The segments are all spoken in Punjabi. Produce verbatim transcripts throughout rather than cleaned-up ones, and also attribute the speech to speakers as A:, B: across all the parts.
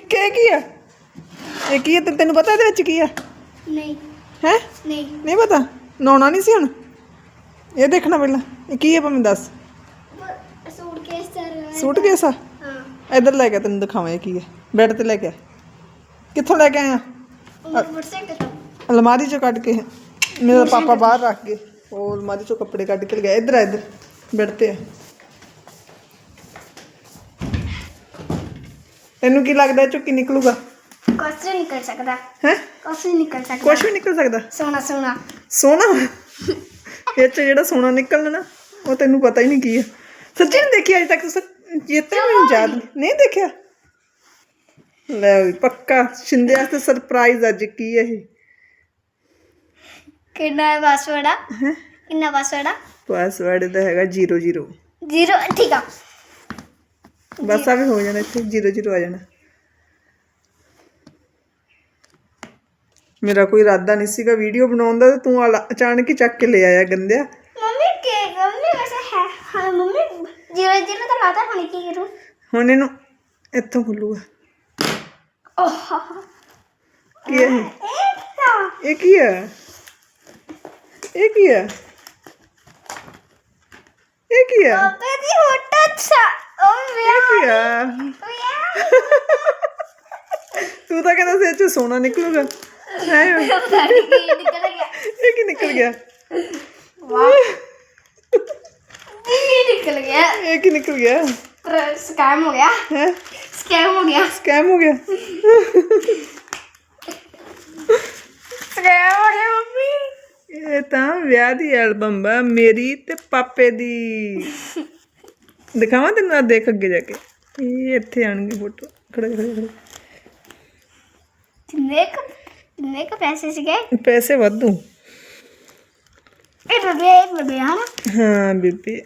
A: ਕੀ ਕੀ ਆ ਇਹ ਕੀ ਹੈ ਤੇ ਤੈਨੂੰ ਪਤਾ ਇਹਦੇ ਵਿੱਚ ਕੀ ਆ
B: ਨਹੀਂ
A: ਹੈ
B: ਨਹੀਂ
A: ਨਹੀਂ ਪਤਾ ਨਹਾਉਣਾ ਨਹੀਂ ਸੀ ਹੁਣ ਇਹ ਦੇਖਣਾ ਪਹਿਲਾਂ ਇਹ ਕੀ ਹੈ ਭਾਵੇਂ ਦੱਸ
B: suitcase sir
A: suitcase ਆ
B: ਹਾਂ
A: ਇੱਧਰ ਲੈ ਕੇ ਤੈਨੂੰ ਦਿਖਾਵਾਂ ਇਹ ਕੀ ਹੈ ਬੈੱਡ ਤੇ ਲੈ ਕੇ ਆ ਕਿੱਥੋਂ ਲੈ ਕੇ ਆਇਆ
B: ਮੋਟਰਸਾਈਕਲ ਤੋਂ
A: ਅਲਮਾਰੀ ਚੋਂ ਕੱਢ ਕੇ ਮੇਰਾ ਪਾਪਾ ਬਾਹਰ ਰੱਖ ਗਏ ਉਹ ਅਲਮਾਰੀ ਚੋਂ ਕੱਪੜੇ ਕੱਢ ਕੇ ਲਗਾਏ ਇੱਧਰ ਆ ਇੱਧਰ ਬੈੱਡ ਤੇ ਆ ਤੈਨੂੰ ਕੀ ਲੱਗਦਾ ਇਹ ਚੋਂ ਕੀ ਨਿਕਲੂਗਾ
B: ਕੁਛ ਨਹੀਂ ਨਿਕਲ ਸਕਦਾ
A: ਹੈ
B: ਕੁਛ ਨਹੀਂ ਨਿਕਲ ਸਕਦਾ
A: ਕੁਛ ਵੀ ਨਿਕਲ ਸਕਦਾ
B: ਸੋਨਾ ਸੋਨਾ
A: ਸੋਨਾ ਇਹ ਚ ਜਿਹੜਾ ਸੋਨਾ ਨਿਕਲਣਾ ਨਾ ਉਹ ਤੈਨੂੰ ਪਤਾ ਹੀ ਨਹੀਂ ਕੀ ਹੈ ਸੱਚੀ ਨਹੀਂ ਦੇਖੀ ਅਜੇ ਤੱਕ ਚੇਤੇ ਮੈਨੂੰ ਯਾਦ ਨਹੀਂ ਦੇਖਿਆ ਲੈ ਵੀ ਪੱਕਾ ਸ਼ਿੰਦੇ ਵਾਸਤੇ ਸਰਪ੍ਰਾਈਜ਼ ਅੱਜ ਕੀ ਹੈ ਇਹ
B: ਕਿੰਨਾ ਹੈ ਪਾਸਵਰਡ ਆ ਕਿੰਨਾ ਪਾਸਵਰਡ ਆ
A: ਪਾਸਵਰਡ ਦਾ ਹੈਗਾ ਜ਼ੀਰੋ ਜ਼ੀਰੋ
B: ਜ਼ੀਰੋ ਠੀਕ ਆ
A: ਬਸ ਆ ਵੀ ਹੋ ਜਾਣਾ ਇੱਥੇ ਜ਼ੀਰੋ ਜ਼ੀਰੋ ਆ ਜਾਣਾ ਮੇਰਾ ਕੋਈ ਇਰਾਦਾ ਨਹੀਂ ਸੀਗਾ ਵੀਡੀਓ ਬਣਾਉਣ ਦਾ ਤੇ ਤੂੰ ਆਲਾ- ਅਚਾਨਕ ਹੀ ਚੱਕ ਕੇ ਲੈ ਆਇਆ ਗੰਦਿਆ
B: ਮੰਮੀ ਕੇ ਮੰਮੀ ਵੈਸੇ ਹੈ ਹਾਂ ਮੰਮੀ ਜ਼ੀਰੋ ਜ਼ੀਰੋ ਤਾਂ ਲਾਤਾ ਹੁਣ ਕੀ ਕਰੂ
A: ਹੁਣ ਇਹਨੂੰ ਇੱਥੋਂ ਖੁੱਲੂਗਾ
B: ਓਹ
A: ਕੀ ਹੈ ਇਹ?
B: ਇਹ ਤਾਂ
A: ਇਹ ਕੀ ਹੈ ਇਹ ਕੀ ਹੈ ਇਹ ਕੀ ਹੈ
B: ਪਾਪੇ ਦੀ ਫੋਟੋ ਛਾ ਓ
A: ਇਹ ਕੀ
B: ਵਿਆਹ
A: ਹੈ
B: ਵਿਆਹ
A: ਤੂੰ ਤਾਂ ਕਹਿੰਦਾ ਸੀ ਇਹ ਚੋਂ ਸੋਨਾ ਨਿਕਲੂਗਾ ਹੈ
B: ਪਤਾ ਨਹੀਂ ਕੀ ਨਿਕਲ ਗਿਆ
A: ਇਹ ਕੀ ਨਿਕਲ ਗਿਆ
B: ਵਾਹ ਇਹ ਨਿਕਲ ਗਿਆ
A: ਇਹ ਕੀ ਨਿਕਲ ਗਿਆ
B: ਪਰ ਸਕੈਮ ਹੋ ਗਿਆ
A: ਹੈ
B: ਸਕੈਮ ਹੋ ਗਿਆ
A: ਸਕੈਮ ਹੋ ਗਿਆ
B: ਸਕੈਮ ਹੋ ਗਿਆ ਮੰਮੀ
A: ਇਹ ਤਾਂ ਵਿਆਹ ਦੀ ਐਲਬਮ ਆ ਮੇਰੀ ਤੇ ਪਾਪੇ ਦੀ ਦਿਖਾਵਾਂ ਤੈਨੂੰ ਆ ਦੇਖ ਅੱਗੇ ਜਾ ਕੇ ਇਹ ਇੱਥੇ ਆਣਗੇ ਫੋਟੋ ਖੜੇ ਖੜੇ ਖੜੇ
B: ਕਿੰਨੇ ਕੁ ਕਿੰਨੇ ਕੁ ਪੈਸੇ ਸੀਗੇ
A: ਪੈਸੇ ਵਾਧੂ
B: ਇਹ ਬੇਬੇ ਬੇਬੇ ਹਨਾ
A: ਹਾਂ ਬੀਬੀ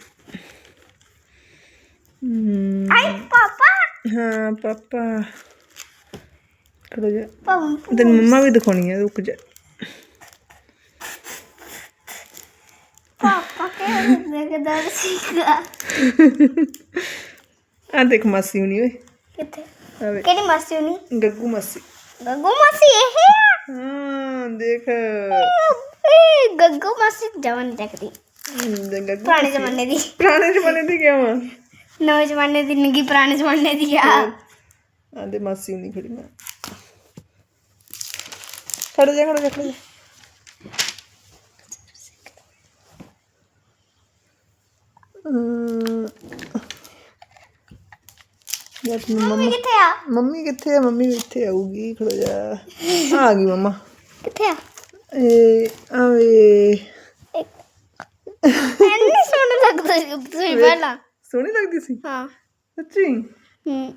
A: ਹਮ,
B: ਆਈ ਪਾਪਾ
A: ਹਾਂ ਪਾਪਾ ਖੜੋ ਜਾ
B: ਪਾਪਾ
A: ਤੈਨੂੰ ਮੰਮਾ ਵੀ ਦਿਖਾਉਣੀ ਹੈ ਰੁਕ ਜਾ
B: ਪਾਪਾ ਕੇ ਦੇਖਦਾ ਸੀਗਾ
A: ਆ ਦੇਖ ਮਾਸੀ ਹੁਣੀ ਓਏ
B: ਕਿੱਥੇ
A: ਆ ਵੇ
B: ਕਿਹੜੀ ਮਾਸੀ ਹੋਣੀ
A: ਗੱਗੂ ਮਾਸੀ
B: ਗੱਗੂ ਮਾਸੀ ਇਹ ਆ
A: ਹਾਂ ਦੇਖ
B: ਇਹ ਗੱਗੂ ਮਾਸੀ ਜਵਾਨ ਦੇਖਦੀ
A: ਹਮ, ਦੇ ਗੱਗੂ
B: ਪੁਰਾਣੇ ਜ਼ਮਾਨੇ ਦੀ
A: ਪੁਰਾਣੇ ਜ਼ਮਾਨੇ ਦੀ ਕਿਉਂ
B: ਨਵੇਂ ਜ਼ਮਾਨੇ ਦੀ ਨਹੀਂ ਪੁਰਾਣੇ ਜ਼ਮਾਨੇ ਦੀ ਆ
A: ਆਂਦੇ ਮਾਸੀ ਹੁਣੀ ਖੜੀ ਮੈਂ ਖੜ ਜਾ ਖੜ ਜਾ ਖੜ ਜਾ ਅਮ, ਜਦ
B: ਮੰਮੀ
A: ਮੰਮਾ
B: ਕਿੱਥੇ ਆ
A: ਮੰਮੀ ਕਿੱਥੇ ਆ ਮੰਮੀ ਵੀ ਇੱਥੇ ਆਊਗੀ ਖੜੋ ਜਾ ਆ ਗਈ ਮੰਮਾ
B: ਕਿੱਥੇ ਆ
A: ਇਹ ਆਵੇ
B: ਐਨੀ ਸੋਹਣਾ ਲੱਗਦਾ ਸੀ ਤੁਸੀਂ ਪਹਿਲਾਂ
A: ਸੋਹਣੀ ਲੱਗਦੀ ਸੀ
B: ਹਾਂ
A: ਸੱਚੀ
B: ਹੂੰ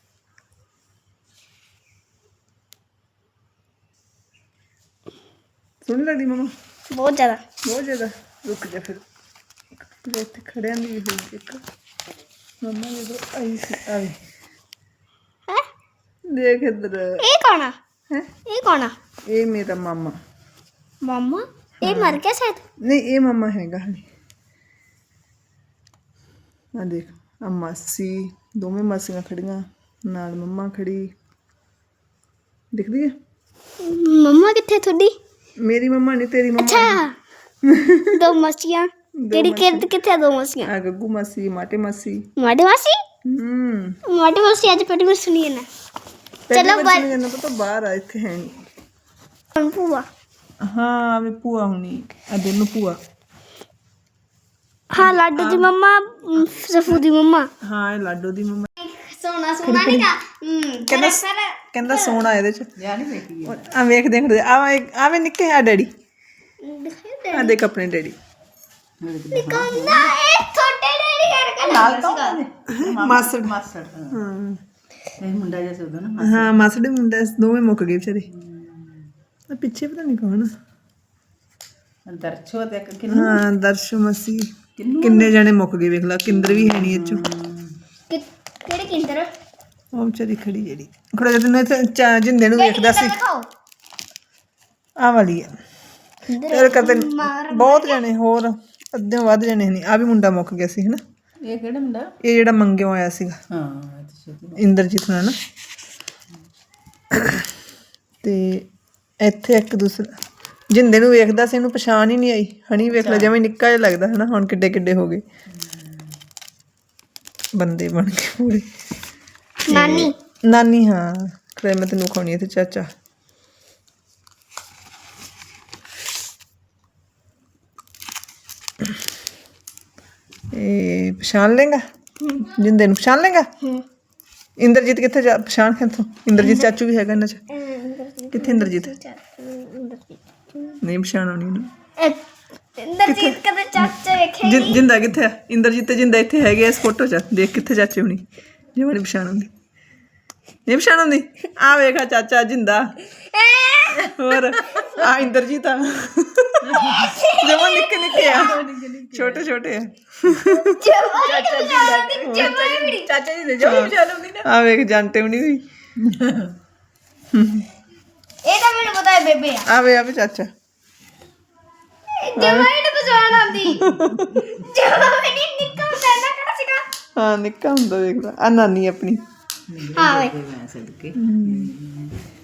A: ਸੋਹਣੀ ਲੱਗਦੀ ਮੰਮਾ
B: ਬਹੁਤ ਜ਼ਿਆਦਾ
A: ਬਹੁਤ ਜ਼ਿਆਦਾ ਰੁਕ ਜਾ ਫਿਰ ਜੇ ਇੱਥੇ ਖੜਿਆਂ ਦੀ ਵੀ ਹੋਈ ਇੱਕ ਮੰਮਾ ਜਦੋਂ ਆਈ ਸੀ ਆਵੇ
B: ਹੈ
A: ਦੇਖ ਇੱਧਰ
B: ਇਹ ਕੌਣ ਆ
A: ਹੈ
B: ਇਹ ਕੌਣ ਆ
A: ਇਹ ਮੇਰਾ ਮਾਮਾ
B: ਮਾਮਾ ਇਹ ਮਰ ਗਿਆ ਸ਼ਾਇਦ
A: ਨਹੀਂ ਇਹ ਮਾਮਾ ਹੈਗਾ ਹਲੇ ਆ ਦੇਖ ਆ ਮਾਸੀ ਦੋਵੇਂ ਮਾਸੀਆਂ ਖੜੀਆਂ ਨਾਲ ਮੰਮਾ ਖੜੀ ਦਿਖਦੀ ਹੈ
B: ਮੰਮਾ ਕਿੱਥੇ ਤੁਹਾਡੀ
A: ਮੇਰੀ ਮੰਮਾ ਨਹੀਂ ਤੇਰੀ ਮੰਮਾ
B: ਅੱਛਾ ਦੋ ਮਸੀਆਂ ਕਿਹੜੀ ਕਿਹੜੀ ਕਿੱਥੇ ਆ ਦੋ ਮਸੀਆਂ
A: ਆ ਗੱਗੂ ਮਾਸੀ ਮਾਟੇ ਮਾਸੀ
B: ਮਾਡੇ ਮਾਸੀ
A: ਹੂੰ
B: ਮਾਡੇ ਮਾਸੀ ਅੱਜ ਪੇਟੀ ਵਿੱਚ ਸੁਣੀ ਨਾ
A: ਚਲੋ ਬਾਹਰ ਜਾਣਾ ਪਤਾ ਬਾਹਰ ਆ ਇੱਥੇ ਹੈ ਨਹੀਂ
B: ਭੂਆ
A: ਹਾਂ ਵੀ ਭੂਆ ਹੁਣੀ ਆ ਦੋਨੋਂ ਭੂਆ
B: ਹਾਂ ਲਾਡੂ ਦੀ ਮੰਮਾ ਸਫੂ ਦੀ ਮੰਮਾ
A: ਹਾਂ ਇਹ ਲਾਡੋ ਦੀ ਮੰਮਾ
B: ਸੋਨਾ ਸੋਨਾ ਨਹੀਂ ਕਾ
A: ਕਹਿੰਦਾ ਕਹਿੰਦਾ ਸੋਨਾ ਇਹਦੇ ਚ ਆ ਵੇਖ ਦੇਖ ਆਵੇ ਆਵੇ ਨਿੱਕੇ ਆ ਡੈਡੀ ਆ ਦੇਖ ਆਪਣੇ ਡੈਡੀ
B: ਨਿਕਾਂਦਾ ਇਹ ਛੋਟੇ ਡੈਡੀ ਕਰਕੇ ਨਾਲ ਸੀਗਾ
A: ਮਾਸੜ ਮਾਸੜ ਹਾਂ
C: ਇਹ ਮੁੰਡਾ ਜਿਹਾ ਸੀ ਉਹਦਾ ਨਾ
A: ਹਾਂ ਮਾਸੜ ਦੇ ਮੁੰਡੇ ਦੋਵੇਂ ਮੁੱਕ ਗਏ ਵਿਚਾਰੇ ਆ ਪਿੱਛੇ ਪਤਾ ਨਹੀਂ ਕੌਣ
C: ਦਰਸ਼ੋ ਤੇ ਕਿੰਨਾ
A: ਹਾਂ ਦਰਸ਼ੋ ਮਸੀ ਕਿੰਨੇ ਜਣੇ ਮੁੱਕ ਗਏ ਵੇਖ ਲਾ ਕਿੰਦਰ ਵੀ ਹੈ ਨਹੀਂ ਇਹ ਚੋਂ
B: ਕਿਹੜੇ ਕਿੰਦਰ
A: ਉਹ ਵਿਚਾਰੀ ਖੜੀ ਜਿਹੜੀ ਖੜਾ ਜਦੋਂ ਤੈਨੂੰ ਇੱਥੇ ਚਾ- ਜਿੰਦੇ ਨੂੰ ਵੇਖਦਾ ਸੀ
B: ਦਿਖਾਓ
A: ਆ ਵਾਲੀ ਆ ਤੇਰੇ ਕਰਦੇ ਬਹੁਤ ਜਣੇ ਹੋਰ ਅੱਧੇ ਵੱਧ ਜਣੇ ਨਹੀਂ ਆ ਵੀ ਮੁੰਡਾ ਮੁੱਕ ਗਿਆ ਸੀ ਹਨਾ
C: ਇਹ ਕਿਹੜਾ ਮੁੰਡਾ
A: ਇਹ ਜਿਹੜਾ ਮੰਗਿਓ ਆਇਆ ਸੀਗਾ
C: ਹਾਂ ਇਹ ਤਾਂ ਛੇਤੀ
A: ਇੰਦਰਜੀਤ ਨਾਲ ਨਾ ਤੇ ਇੱਥੇ ਇੱਕ ਦੂਸਰਾ ਜਿੰਦੇ ਨੂੰ ਵੇਖਦਾ ਸੀ ਇਹਨੂੰ ਪਛਾਣ ਹੀ ਨਹੀਂ ਆਈ। ਹਣੀ ਵੇਖ ਲੈ ਜਿਵੇਂ ਨਿੱਕਾ ਜਿਹਾ ਲੱਗਦਾ ਹਨਾ, ਹੁਣ ਕਿੱਡੇ ਕਿੱਡੇ ਹੋ ਗਏ ਬੰਦੇ ਬਣ ਕੇ ਪੂਰੇ।
B: ਨਾਨੀ
A: ਨਾਨੀ ਹਾਂ ਖਰੇ ਮੈਂ ਤੈਨੂੰ ਖਾਣੀ ਹੈ ਤੇ ਚਾਚਾ ਇਹ ਪਛਾਣ ਲੇਗਾ ਜਿੰਦੇ ਨੂੰ ਪਛਾਣ ਲੇਗਾ। ਇੰਦਰਜੀਤ ਕਿੱਥੇ ਜਾ ਪਛਾਣ ਕਿੱਥੋਂ? ਇੰਦਰਜੀਤ ਚਾਚੂ ਵੀ ਹੈਗਾ ਇਹਨਾਂ 'ਚ। ਕਿੱਥੇ ਇੰਦਰਜੀਤ? ਨਹੀਂ ਪਛਾਣ ਆਉਣੀ ਇਹਨੂੰ।
B: ਇੰਦਰਜੀਤ ਕਦੇ ਚਾਚਾ ਵੇਖੇ
A: ਜਿੰ- ਜਿੰਦਾ ਕਿੱਥੇ ਆ? ਇੰਦਰਜੀਤ ਤੇ ਜਿੰਦਾ ਇੱਥੇ ਹੈਗੇ ਆ ਇਸ ਫੋਟੋ 'ਚ। ਦੇਖ ਕਿੱਥੇ ਚਾਚੇ ਹੋਣੀ ਜੇ ਮੈਨੂੰ ਪਛਾਣ ਆਉਂਦੀ। ਨਹੀਂ ਪਛਾਣ ਆਉਂਦੀ? ਆ ਵੇਖਾ ਚਾਚਾ ਜਿੰਦਾ ਹੋਰ ਆ ਇੰਦਰਜੀਤ ਆ ਜਮਾ ਨਿੱਕੇ ਨਿੱਕੇ ਆ ਛੋਟੇ ਛੋਟੇ ਆ।
B: ਚਾਚਾ ਜੀ
C: ਚਾਚਾ ਜੀ ਦੇ ਜੋ ਪਛਾਣ ਆਉਂਦੀ ਨਾ।
A: ਆ ਵੇਖ ਜਾਂਟੇ ਵੀ ਨਹੀਂ ਹੋਈ।
B: ਇਹ ਤਾਂ ਮੈਨੂੰ ਪਤਾ ਹੈ ਬੇਬੇ ਆ।
A: ਆ ਵੇ ਆ ਵੇ ਚਾਚਾ
B: ਜਮਾ ਹੀ ਨਹੀਂ ਪਛਾਣ ਆਉਂਦੀ। ਜਮਾ ਵੀ ਨਹੀਂ ਨਿੱਕਾ ਹੁੰਦਾ ਨਾ ਕਿਹੜਾ ਸੀਗਾ।
A: ਹਾਂ ਨਿੱਕਾ ਹੁੰਦਾ ਵੇਖ ਲਾ। ਆ ਨਾਨੀ ਆਪਣੀ
B: ਹਾਂ ਵੇ
C: ਮੈਂ ਸਦਕੇ